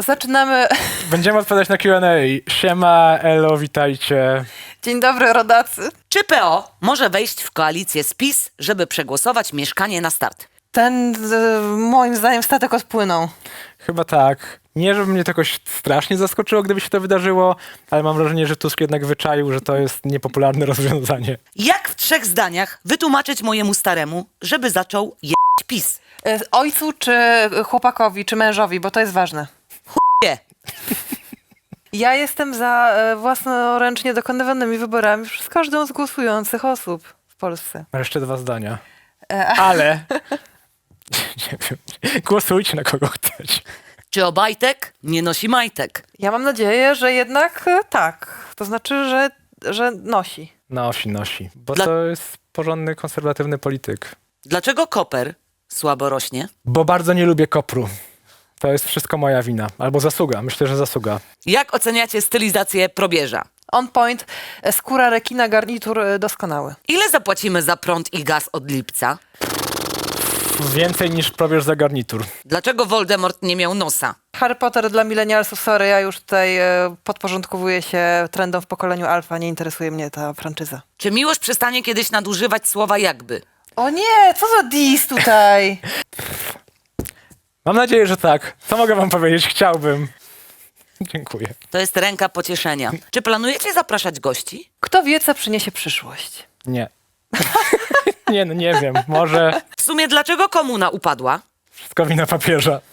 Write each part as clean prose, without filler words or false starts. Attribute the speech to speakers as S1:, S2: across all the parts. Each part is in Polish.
S1: Zaczynamy.
S2: Będziemy odpowiadać na Q&A. Siema, elo, witajcie.
S1: Dzień dobry, rodacy.
S3: Czy PO może wejść w koalicję z PiS, żeby przegłosować Mieszkanie na start?
S1: Ten, moim zdaniem, statek odpłynął.
S2: Chyba tak. Nie, żeby mnie to jakoś strasznie zaskoczyło, gdyby się to wydarzyło, ale mam wrażenie, że Tusk jednak wyczaił, że to jest niepopularne rozwiązanie.
S3: Jak w 3 zdaniach wytłumaczyć mojemu staremu, żeby zaczął jeść PiS?
S1: Ojcu, czy chłopakowi, czy mężowi, bo to jest ważne.
S3: Nie.
S1: Ja jestem za własnoręcznie dokonywanymi wyborami przez każdą z głosujących osób w Polsce.
S2: Mam jeszcze 2 zdania. Ale... nie wiem. Głosujcie na kogo chcecie.
S3: Czy Obajtek nie nosi majtek?
S1: Ja mam nadzieję, że jednak tak. To znaczy, że nosi.
S2: Nosi. Bo
S3: Dla-
S2: to jest porządny, konserwatywny polityk.
S3: Dlaczego Koper słabo rośnie?
S2: Bo bardzo nie lubię kopru. To jest wszystko moja wina. Albo zasługa. Myślę, że zasługa.
S3: Jak oceniacie stylizację probierza?
S1: On point, skóra rekina, garnitur doskonały.
S3: Ile zapłacimy za prąd i gaz od lipca?
S2: Więcej niż probierz za garnitur.
S3: Dlaczego Voldemort nie miał nosa?
S1: Harry Potter dla milenialsów, sorry, ja już tutaj podporządkowuję się trendom w pokoleniu alfa, nie interesuje mnie ta franczyza.
S3: Czy Miłosz przestanie kiedyś nadużywać słowa jakby?
S1: O nie, co za dis tutaj?
S2: Mam nadzieję, że tak. Co mogę wam powiedzieć? Chciałbym. Dziękuję.
S3: To jest ręka pocieszenia. Czy planujecie zapraszać gości?
S1: Kto wie, co przyniesie przyszłość?
S2: Nie. nie wiem. Może
S3: W sumie dlaczego komuna upadła?
S2: wszystko wina papieża.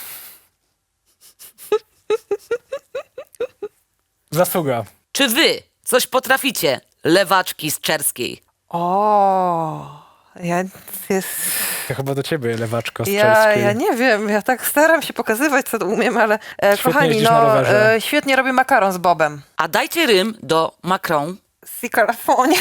S2: Zasługa.
S3: Czy wy coś potraficie, lewaczki z Czerskiej?
S1: O,
S2: To chyba do ciebie, lewaczko z
S1: ja
S2: Czerskiej.
S1: nie wiem, ja tak staram się pokazywać, co umiem, ale kochani,
S2: jeździsz na rowerze.
S1: świetnie robię makaron z Bobem.
S3: A dajcie rym do Macron.
S1: Si calafonie.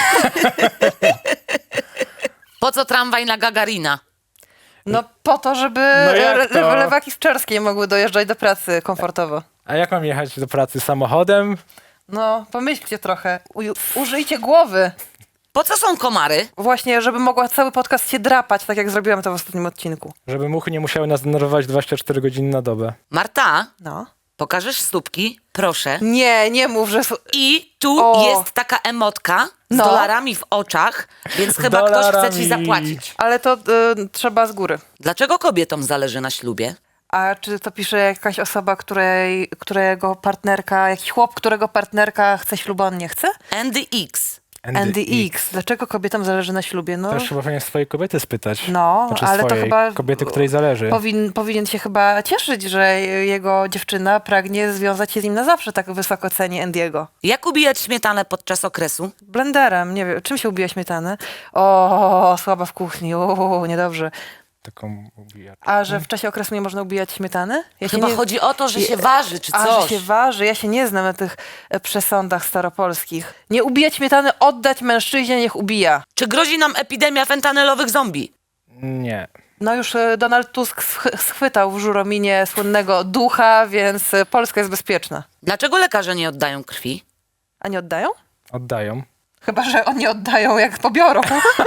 S3: Po co tramwaj na Gagarina?
S1: No po to, żeby
S2: No jak to?
S1: lewaki z Czerskiej mogły dojeżdżać do pracy komfortowo.
S2: A jak mam jechać do pracy samochodem?
S1: No, pomyślcie trochę. Użyjcie głowy.
S3: Po co są komary?
S1: Właśnie, żeby mogła cały podcast się drapać, tak jak zrobiłam to w ostatnim odcinku.
S2: Żeby muchy nie musiały nas denerwować 24 godziny na dobę.
S3: Marta,
S1: No.
S3: pokażesz stópki? Proszę.
S1: Nie mów, że...
S3: I tu
S1: O.
S3: jest taka emotka z
S1: No.
S3: dolarami w oczach, więc chyba ktoś chce ci
S2: Dolarami.
S3: zapłacić.
S1: Ale to trzeba z góry.
S3: Dlaczego kobietom zależy na ślubie?
S1: A czy to pisze jakaś osoba, którego partnerka, jakiś chłop, którego partnerka chce ślubu, on nie chce?
S3: Andy X.
S1: Andy X. Dlaczego kobietom zależy na ślubie? No,
S2: Też chyba powinien swojej kobiety spytać.
S1: no
S2: Znaczy
S1: ale to
S2: swojej
S1: chyba...
S2: kobiety, której zależy.
S1: Powinien się chyba cieszyć, że jego dziewczyna pragnie związać się z nim na zawsze, tak wysoko ceni Andiego.
S3: Jak ubijać śmietanę podczas okresu?
S1: Blenderem, nie wiem, czym się ubija śmietanę? O, słaba w kuchni, o, niedobrze.
S2: Taką ubijacz.
S1: A że w czasie okresu nie można ubijać śmietany? Ja się
S3: Chyba
S1: nie...
S3: chodzi o to, że się waży czy
S1: A,
S3: coś.
S1: że się waży. Ja się nie znam na tych przesądach staropolskich. Nie ubijać śmietany, oddać mężczyźnie, niech ubija.
S3: Czy grozi nam epidemia fentanylowych zombie?
S2: Nie.
S1: No już Donald Tusk schwytał w Żurominie słynnego ducha, więc Polska jest bezpieczna.
S3: Dlaczego lekarze nie oddają krwi?
S1: A nie oddają?
S2: Oddają.
S1: Chyba że oni oddają, jak pobiorą.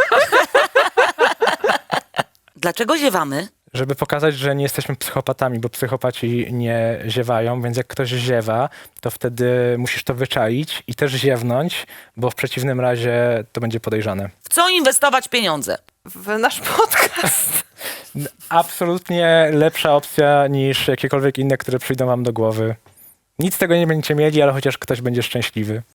S3: Dlaczego ziewamy?
S2: Żeby pokazać, że nie jesteśmy psychopatami, bo psychopaci nie ziewają, więc jak ktoś ziewa, to wtedy musisz to wyczaić i też ziewnąć, bo w przeciwnym razie to będzie podejrzane.
S3: W co inwestować pieniądze?
S1: W nasz podcast.
S2: Absolutnie lepsza opcja niż jakiekolwiek inne, które przyjdą wam do głowy. Nic z tego nie będziecie mieli, ale chociaż ktoś będzie szczęśliwy.